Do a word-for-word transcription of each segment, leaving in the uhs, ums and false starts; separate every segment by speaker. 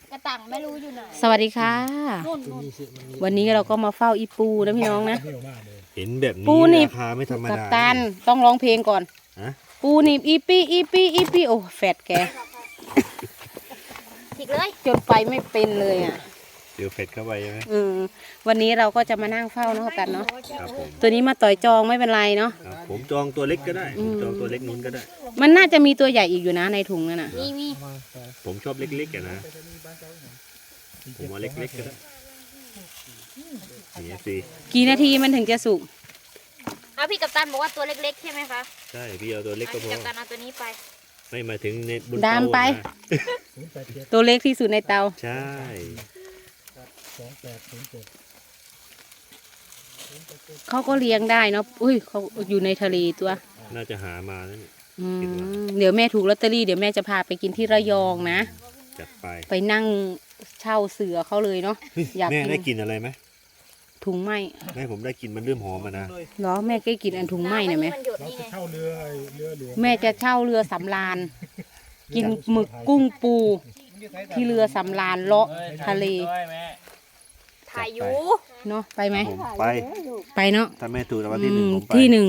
Speaker 1: กระตังไม่รู้อยู่ไหน
Speaker 2: สวัสดีค่ะวันนี้เราก็มาเฝ้าอีปูนะพี่น้องนะ
Speaker 3: เห็นแบบนี้ราคาไม่ธรรมดากัป
Speaker 2: ตันต้องร้องเพลงก่อนปูหนีบอีปีอีปีอีปีโอ้แฟดแก
Speaker 1: ถิกเลย
Speaker 2: จนไปไม่เป็นเลยอ่ะ
Speaker 3: เดี๋ยวเฟดเข้าไปใช่ไหม
Speaker 2: อืมวันนี้เราก็จะมานั่งเฝ้านะกันเนาะตัวนี้มาต่อยจองไม่เป็นไรเนาะ
Speaker 3: ผมจองตัวเล็กก็ได้ผมจองตัวเล็กนู้นก็ได้
Speaker 2: มันน่าจะมีตัวใหญ่อีกอยู่นะในถุงนั่นน่ะ
Speaker 1: มีมี
Speaker 3: ผมชอบเล็กๆอ่ะนะผมเอาเล็กๆก็ได้นี่สิ
Speaker 2: กี่นาทีมันถึงจะสุก
Speaker 1: เอาพี่กัปตันบอกว่าตัวเล็กๆใช่ไหมคะ
Speaker 3: ใช่พี่เอาตัวเล็กก็พอ
Speaker 1: กัปตันเอาตัวนี้ไป
Speaker 3: ไม่มาถึงในบน
Speaker 2: เตาดามไปตัวเล็กที่สุดในเตา
Speaker 3: ใช่
Speaker 2: เขาก็เลี้ยงได้เนาะอุ้ยเขาอยู่ในทะเลตัว
Speaker 3: น่าจะหามาแล้วเนี่ย
Speaker 2: เดี๋ยวแม่ถูกลอตเตอรี่เดี๋ยวแม่จะพาไปกินที่ระยองนะ
Speaker 3: จัดไป
Speaker 2: ไปนั่งเช่าเสือเขาเลยเนาะ
Speaker 3: อยากแม่ได้กินอะไรไหม
Speaker 2: ถุงไหม
Speaker 3: แม่ผมได้กินมันเริ่มหอมมานะ
Speaker 2: เหรอแม่ก็กินอันถุงไหมเนี่ยไหม
Speaker 4: เช่าเรือเรือหลวง
Speaker 2: แม่จะเช่าเรือสำราญกินหมึกกุ้งปูที่เรือสำราญเลาะทะเล
Speaker 1: ถ่ายอยู่
Speaker 2: เนาะไปไหม
Speaker 3: ไป
Speaker 2: ไปเนาะ
Speaker 3: ถ้าแม่ถูกรางวัลที่หนึ่งผมไป
Speaker 2: ที่หนึ่ง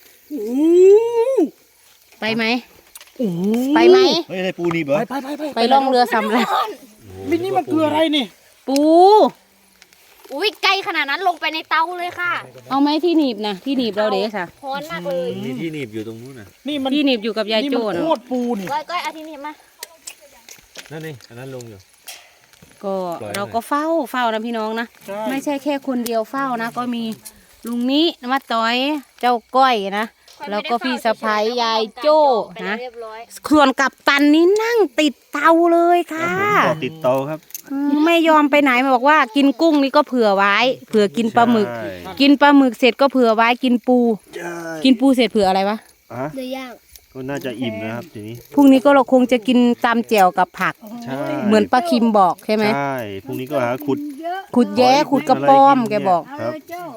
Speaker 2: ไปไหมไปไหม
Speaker 3: เฮ้ยได้ปูนี่เบอ
Speaker 4: ไปไปไปไป
Speaker 2: ไปล่องเรือสำราญ
Speaker 4: มินี่มันคืออะไรนี่
Speaker 2: ปู
Speaker 1: อุ้ยไกลขนาดนั้นลงไปในเตาเลยค่ะ
Speaker 2: เอาไหมที่หนีบนะที่หนีบเราเด็กค่ะ
Speaker 1: ร้อนมากเลย
Speaker 3: นี่ที่หนีบอยู่ตรงนู้นน่ะ
Speaker 4: นี่มัน
Speaker 2: ที่หนีบอยู่กับยายโจ้
Speaker 4: นะโคตรปูนี่
Speaker 1: ก้อยก้อยเอาที่หนีบมา
Speaker 3: นั่นนี่อันนั้นลงอยู่
Speaker 2: ก็เราก็เฝ้าเฝ้านะพี่น้องนะไม่ใช่แค่คนเดียวเฝ้านะก็มีลุงนี้มาต้อยเจ้าก้อยนะแล้วก็พี่สะพ้ายยายโจ้นะส่วนกัปตันนี้นั่งติดเตาเลยค่ะ
Speaker 3: ติดเตาครับ
Speaker 2: ไม่ยอมไปไหนมาบอกว่ากินกุ้งนี่ก็เผื่อไว้เผื่อกินปลาหมึกกินปลาหมึกเสร็จก็เผื่อไว้กินปูกินปูเสร็จเผื่ออะไรวะ
Speaker 1: เนื้อย่าง
Speaker 3: ก็น่าจะอิ่มนะครับทีนี้
Speaker 2: พรุ่งนี้ก็เราคงจะกินตำแจ่วกับผักเหมือนป้าคิมบอกใช่ไหม
Speaker 3: ใช่พรุ่งนี้ก็หาขุด
Speaker 2: ขุดแย้ขุดกระป้อมแกบอก
Speaker 3: ครับ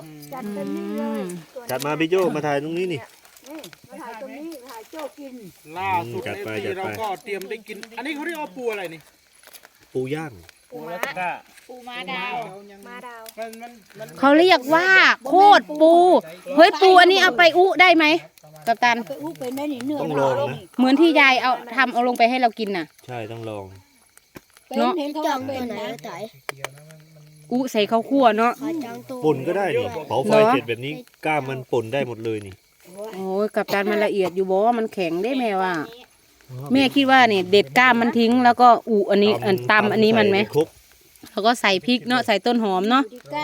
Speaker 3: จัดมาพี่โจ้มาถ่ายตรงนี้นี่
Speaker 4: ถ่ายตรงนี้ถ่ายโจ้กินล่าสุดในที่เราก็เตรียมได้กินอันนี้เขาเรียกว่าปูอะไรนี่
Speaker 3: ปูย่าง
Speaker 1: ปูม้าปูม้าดาวม้าดาว
Speaker 2: เขาเรียกว่าโคตรปูเฮ้ยปูอันนี้เอาไปอุได้ไหมกัปตัน
Speaker 3: ต้องลองนะ
Speaker 2: เหมือนที่ยายเอาทำเอาลงไปให้เรากินน่ะ
Speaker 3: ใช่ต้องลอง
Speaker 2: เนาะ
Speaker 1: จองเป็นไหนจ่าย
Speaker 2: อุใส่ข้าวคั่วเนาะ
Speaker 3: ป่นก็ได้นี่เผาไฟเสร็จแบบนี้กล้ามมันป่นได้หมดเลยนี่
Speaker 2: โอ้ยกัปตันมันละเอียดอยู่บอกว่ามันแข็งได้แม่ว่าแม่คิดว่าเนี่ยเด็ดก้ามมันทิ้งแล้วก็อุอันนี้อันตำอันนี้มันไหมแล้วก็ใส่พริกเนาะใส่ต้นหอมเนาะ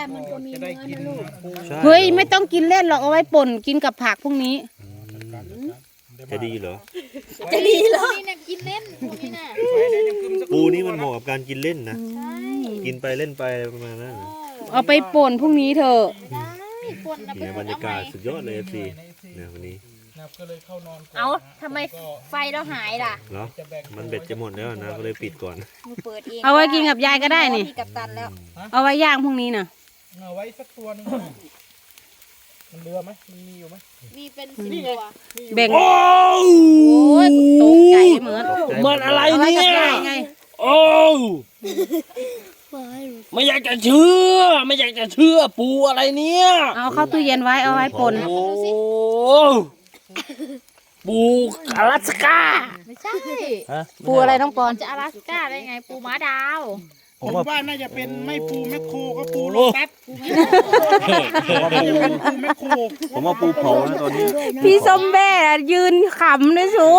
Speaker 2: เฮ้ยไม่ต้องกินเล่นหรอกเอาไว้ป่นกินกับผักพวกนี้
Speaker 3: จะดีเหรอ
Speaker 1: จะดีเหรอนี่นะกินเล่นปูนี่นะ
Speaker 3: ปูนี่มันเหมาะกับการกินเล่นนะกินไปเล่นไปประมาณนั้น
Speaker 2: เอาไปป่นพรุ่งนี้เถอะ
Speaker 3: เนี่ยบรรยากาศสุดยอดเลยสิเนี่ยวันนี้
Speaker 1: เอาทำไมไฟเราหายล่ะ
Speaker 3: เหรอมันเบ็ดจะหมดแล้วนะก็เลยปิดก่อน
Speaker 2: เอาไว้กินกับยายก็ได้นี่เอาไว้ย่างพรุ่งนี้น่ะ
Speaker 4: เอาไว้สักตัวนึงมันเรือไหมมันมีอยู่ไหม
Speaker 1: มีเป็นสิบตัว
Speaker 2: แบ่งโอ้ยตกใจเหมือน
Speaker 4: เหมือนอะไรเนี่ยโอ้ไม่อยากจะเชื่อไม่อยากจะเชื่อปูอะไรเนี่ย
Speaker 2: เอาเข้าตู้เย็นไว้เอาไว้ป่น
Speaker 4: โอ้ปูอลาสก้า
Speaker 1: ไม่ใช่
Speaker 2: ปูอะไรน้องปอน
Speaker 1: จะอลาสก้าได้ไงปูม้าดาว
Speaker 4: ผมว่าน่าจะเป็นไม่ปูแมคโครก็ปูโลตัส
Speaker 3: ผมว่าปูเผานะตอนนี้
Speaker 2: พี่ส้มแบ่ยืนขำเลยสู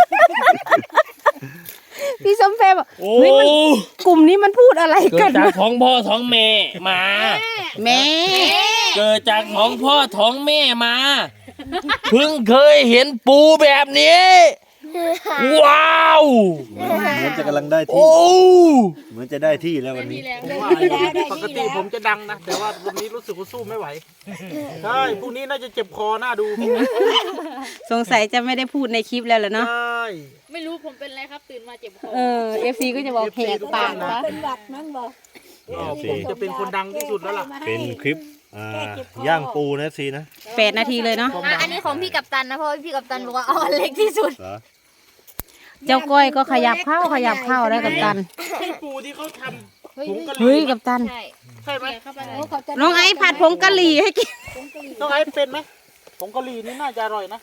Speaker 2: พี่ส้มแบ่บอกเฮ้ยมันกลุ่มนี้มันพูดอะไรกัน
Speaker 4: เกิดจากท้องพ่อท้องแม่มา
Speaker 2: แม่
Speaker 4: เกิดจากท้องพ่อท้องแม่มาเพิ่งเคยเห็นปูแบบนี้ว้าว
Speaker 3: เหมือนจะกำลังได้ที่เหมือนจะได้ที่แล้ววันนี้
Speaker 4: ปกติผมจะดังนะแต่ว่าวันนี้รู้สึกว่าสู้ไม่ไหวใช่พรุ่งนี้น่าจะเจ็บคอหน้าดู
Speaker 2: สงสัยจะไม่ได้พูดในคลิปแล้วเหรอเนาะ
Speaker 4: ใช่
Speaker 1: ไม่รู้ผมเป็นอะไรครับตื่นมาเจ็บคอ
Speaker 2: เออเอฟซีก็จะบอกแหกปากนะ
Speaker 1: เป็นหวัดมั้งบอก
Speaker 4: ผมจะเป็นคนดังที่สุดแล้วล่ะ
Speaker 3: เป็นคลิปย่างปูนะซีนะ
Speaker 2: แปดนาทีเลยเนาะ
Speaker 1: อันนี้ของพี่กัปตันนะเพราะพี่กัปตันบอกว่าเอาอันเล็กที่สุด
Speaker 2: เจ้าก้อยก็ขยับเข้าขยับเข้าได้กับตัน
Speaker 5: ใช่ปูที่เขาทำผงกะห
Speaker 2: เฮ้ย
Speaker 5: รี่
Speaker 2: กับตัน
Speaker 1: ใช่
Speaker 5: ใช่ไหม
Speaker 2: น้องไอ้ผัดผงกะหรี่ให้กิน
Speaker 5: ต้องไอ้เป็นไหมผงกะหรี่นี่น่าจะอร่อยนะ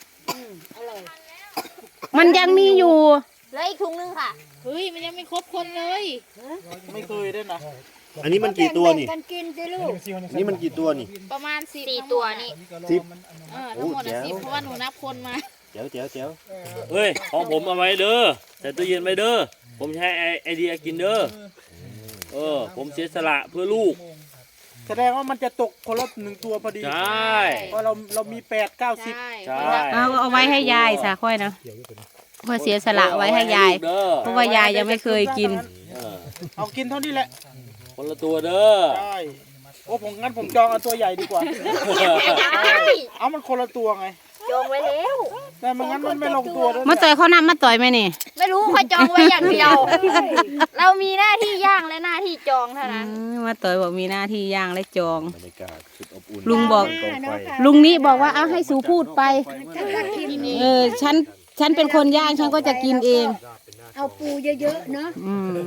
Speaker 2: มันยังมีอยู่
Speaker 1: แล้วอีกถุงนึงค่ะ
Speaker 6: เฮ้ยมันยังไม่ครบคนเลย
Speaker 5: ไม่เคยด้วยนะ
Speaker 3: อันนี้มันกี่ตัวนี่
Speaker 6: กันกินสิลูก
Speaker 3: นี่มันกี่ตัวนี่
Speaker 6: ประมาณสิบ
Speaker 1: สี่ตัวนี่
Speaker 3: สิบ
Speaker 6: เออทั้งหมด
Speaker 3: โอ้
Speaker 6: อะ
Speaker 3: แจ๋ว
Speaker 6: สิบเพราะว่าหนูนับคนมา
Speaker 3: เจ๋วเจ๋วเจ๋ว
Speaker 4: เฮ้ยของผมเอาไว้เด้อใส่ตู้เย็นไว้เด้อผมใช้ไอไอเดียกินเด้อเออผมเสียสละเพื่อลูก
Speaker 5: แสดงว่ามันจะตกคนละหนึ่งตัวพอดี
Speaker 4: ใช่
Speaker 5: เพราะเราเรามีแปดเก้าสิบ
Speaker 6: ใช่
Speaker 4: ใช่
Speaker 2: เอาเอาไว้ให้ยายสาค่อยนะเพื่อเสียสละไว้ให้ยาย
Speaker 4: เด้อ
Speaker 2: เพราะว่ายายยังไม่เคยกิน
Speaker 4: เออ
Speaker 5: เอากินเท่านี้แหละ
Speaker 4: คนละตัวเด้อ
Speaker 5: ใช่โอ้ผมงั้นผมจองเอาตัวใหญ่ดีกว่า เอามันคนละตัวไง
Speaker 1: จองไว้แล้ว
Speaker 5: แต่มันงั้นมันไม่ลงตัวด้วย
Speaker 2: มาต่อยเขานำมาต่อยไหมนี่
Speaker 1: ไม่รู้เขาจองไว้อย่างเดียว เรามีหน้าที่ย่างและหน้าที่จองเท่านั้น
Speaker 2: อืมมาต่อยบอกมีหน้าที่ย่างและจอง
Speaker 3: บรรยากาศสุดอบอุ่น
Speaker 2: ลุงบอก
Speaker 3: กองไฟ
Speaker 2: ลุงนี้บอกว่าเอาให้สูพูดไป เออฉันฉันเป็นคนย่างฉันก็จะกินเอง
Speaker 6: เอาปูเยอะๆเนาะ
Speaker 2: อืม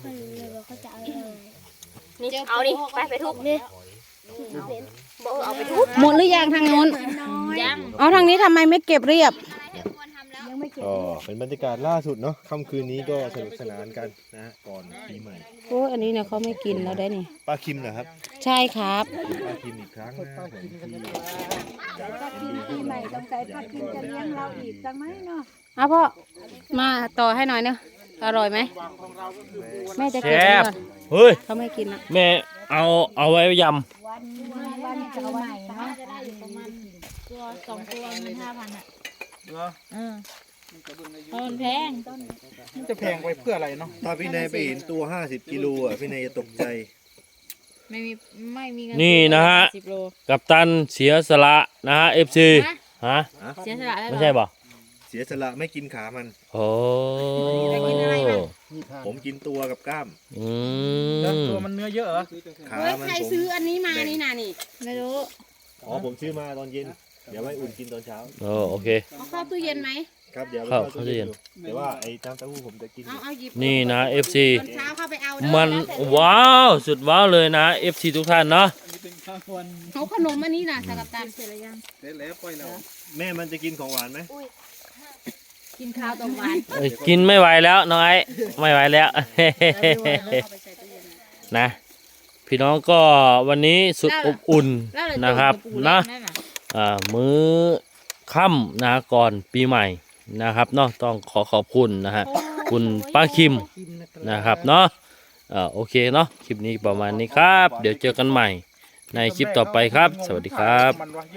Speaker 1: นี่เอาดิไปไปทุบนี่บอกเอาไปทุบ
Speaker 2: หมดหรือยังทางนู้น
Speaker 1: ยัง
Speaker 2: เอาทางนี้ทำไมไม่เก็บเรียบ
Speaker 3: ก็เป็นบรรยากาศล่าสุดเนาะค่ำคืนนี้ก็สนุกสนานกันนะฮะก่อนปีใหม่
Speaker 2: โอ้ยอันนี้เนี่ยเขาไม่กินแล้วได้นี่
Speaker 3: ป้าคิมนะครับ
Speaker 2: ใช่ครับ
Speaker 3: ป้าคิมอีกครั้งนะผมที่
Speaker 6: ปีใหม่ต้องใจพักกินจะเลี้ยงเราอีกจังไหมเนาะ
Speaker 2: เอาพ่อมาต่อให้หน่อยเนาะอร่อยไหมแม่จะ
Speaker 4: แช
Speaker 2: เก็บไว้
Speaker 4: บ
Speaker 2: ก่อน
Speaker 4: เฮ้ย
Speaker 2: เขาไม่กินนะ
Speaker 4: แม่เอาเอาไว้ย
Speaker 6: วันวันปีใหม่เนาะจะได้อยู่ประมาณตัวสองตัวมันห้าพันอ่ะ
Speaker 5: เหรอ
Speaker 6: เออเพราะมันแพง
Speaker 5: มันจะแพงไปเพื่ออะไรเนาะ
Speaker 3: ถ้าพี่นายไปเห็นตัวห้าสิบกิโลอ่ะพี่นายจะตกใจ
Speaker 6: ไม่มีไม่มีเงิน
Speaker 4: ำนี่นะฮะ
Speaker 6: สิบโล
Speaker 4: กัปตันเสียสละนะฮะเอฟซีฮะ
Speaker 6: เสียสละได้
Speaker 4: ไม่
Speaker 6: หรอ
Speaker 4: ใช่ป่ะ
Speaker 3: เสียสละไม่กินขามัน
Speaker 4: โอ้
Speaker 3: ผมกินตัวกับกล้าม
Speaker 4: อื
Speaker 5: แล้ว
Speaker 4: ม
Speaker 5: ตัวมันเนื้อเยอะเหรอ
Speaker 3: ขา
Speaker 2: เฮ้ย
Speaker 3: มัน
Speaker 2: ใคร
Speaker 3: ผม
Speaker 2: ซื้ออันนี้มานี่นานี่
Speaker 6: ไม่รู้
Speaker 3: อ๋อผมซื้อมาตอนเย็น เดี๋ยวไว้อุ่นกินตอนเช้า
Speaker 4: โอ้โอเค
Speaker 2: เอาเข้าตู้เย็นไหม
Speaker 3: ครับเดี๋ยว
Speaker 4: ครับ
Speaker 3: เข้าตู้เย็นดูแต่ว่าไอ้น้ำเต้าหู้ผมจะกิน
Speaker 2: เอาเอาหยิบ
Speaker 4: นี่นะ เอฟซี
Speaker 2: ตอนเช้าเข้าไปเอาเด้อ
Speaker 4: มันว้าว สุดว้าวเลยนะ เอฟซีทุกท่านเนาะ
Speaker 2: เขาขนมอันนี้นะสกัปตันเสร็จแล้วยัง
Speaker 5: แล้วปล่อยแล้ว
Speaker 3: แม่มันจะกินของหวานไหม
Speaker 2: กินข้าวตรงหวาน
Speaker 4: เอ้ยกินไม่ไหวแล้วน้องไอ้ไม่ไหวแล้ว นะ พี่น้องก็วันนี้สุดอบอุ่นนะครับนะอ่ามื้อค่ำนะก่อนปีใหม่นะครับเนาะต้องขอขอบคุณนะฮะคุณป้าคิมนะครับเนาะอ่าโอเคเนาะคลิปนี้ประมาณนี้ครับ เดี๋ยวเจอกันใหม่ในคลิปต่อไปครับ สวัสดีครับ
Speaker 5: มันวะ